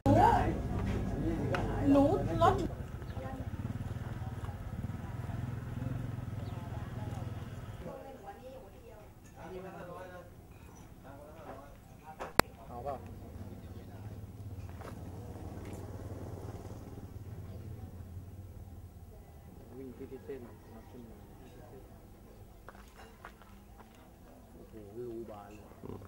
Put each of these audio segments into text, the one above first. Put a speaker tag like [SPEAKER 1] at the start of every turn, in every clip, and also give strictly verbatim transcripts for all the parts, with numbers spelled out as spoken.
[SPEAKER 1] หนูรถ
[SPEAKER 2] เอาเปล่าวิ่งที่ที่เส้นนับชั่วโมงโอ้โหวิวบานเลย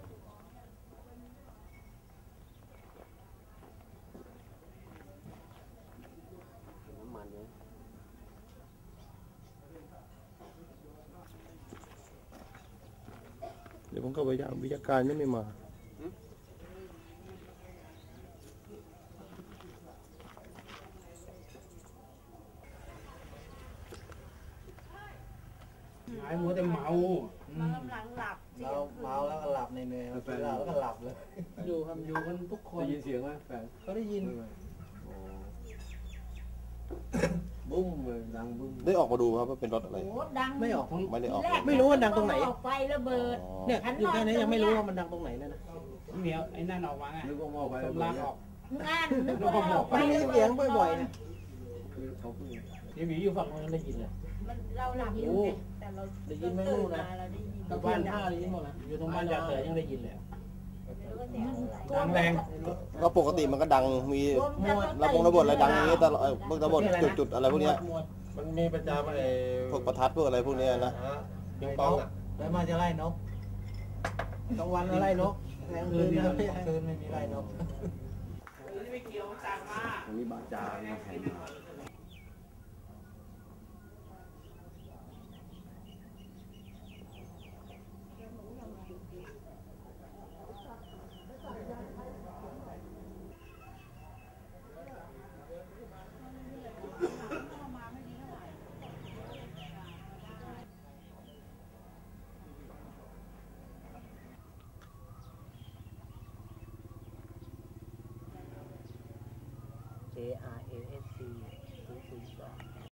[SPEAKER 2] น้ำมันเนี่ย
[SPEAKER 3] เดี๋ยวผมก็วิทยาวิทยาการยังไม่มา
[SPEAKER 2] ไอ้หัวแต่เมา
[SPEAKER 1] มันกำลังหลับเสีย
[SPEAKER 4] เรา
[SPEAKER 1] ง
[SPEAKER 4] เมาแล้วก็หลับในเนยเรากินเหล้าแล้วก็หลับเลย
[SPEAKER 2] อยู่ทำอยู่กันทุกคนได้ยินเสียงไหมแฟน
[SPEAKER 4] เขาได้ยิน
[SPEAKER 2] บุ้มเลยดังบุ้ม
[SPEAKER 3] ได้ออกมาดูครับว่าเป็นรถอะไร
[SPEAKER 1] โอ้ดัง
[SPEAKER 4] ไม่ออกทั้ง
[SPEAKER 3] ไม่ได้ออก
[SPEAKER 1] แก
[SPEAKER 4] ไม่รู้ว่าดังตรงไหน
[SPEAKER 1] ออกไฟระเบิด
[SPEAKER 3] อ๋อ
[SPEAKER 4] เนี่ยอยู่แค่นี้ยังไม่รู้ว่ามันดังตรงไหนเลยนะ
[SPEAKER 2] เหนียวไอ้นั่นออกมาไงนึกว่าหม้อไฟลากออก
[SPEAKER 1] งานนึกว่าออกไฟ
[SPEAKER 4] ไม่ได้ยินเสียงบ่อยๆนะ
[SPEAKER 2] คือเขาเพิ่งยังมีอยู่ฝั่งนั้นได้ยินเลย
[SPEAKER 1] มันเราหลับอยู่ไงแต่เรา
[SPEAKER 4] ได้ยินไม่รู้นะ
[SPEAKER 1] เราได้ยิน
[SPEAKER 4] ตะบ้านท่าได้ยินหมดนะ
[SPEAKER 2] อยู่ตรงบ้านจ่าเสือยังได้ยินเลย
[SPEAKER 1] แล้วก็เสียงอะไร
[SPEAKER 2] ดังแรง
[SPEAKER 3] ก็ปกติมันก็ดังมีระบงระเบิดอะไรดังอย่างนี้ตลอดเออพวกระเบิดจุดๆอะไรพวกเนี้ย
[SPEAKER 5] มันมีประจำไอ้
[SPEAKER 3] พวกประทัดพวกอะไรพวกเนี้ยนะ
[SPEAKER 5] ฮะปิงปองอ่ะ
[SPEAKER 4] แล้วมาจะไล่นกกลางวันก็ไล่นกกลางคืนไม่คืนไม่มีไล่นก
[SPEAKER 2] ตรงนี้บาจามาแข่ง
[SPEAKER 4] J R A S C ศูนย์ศูนย์สอง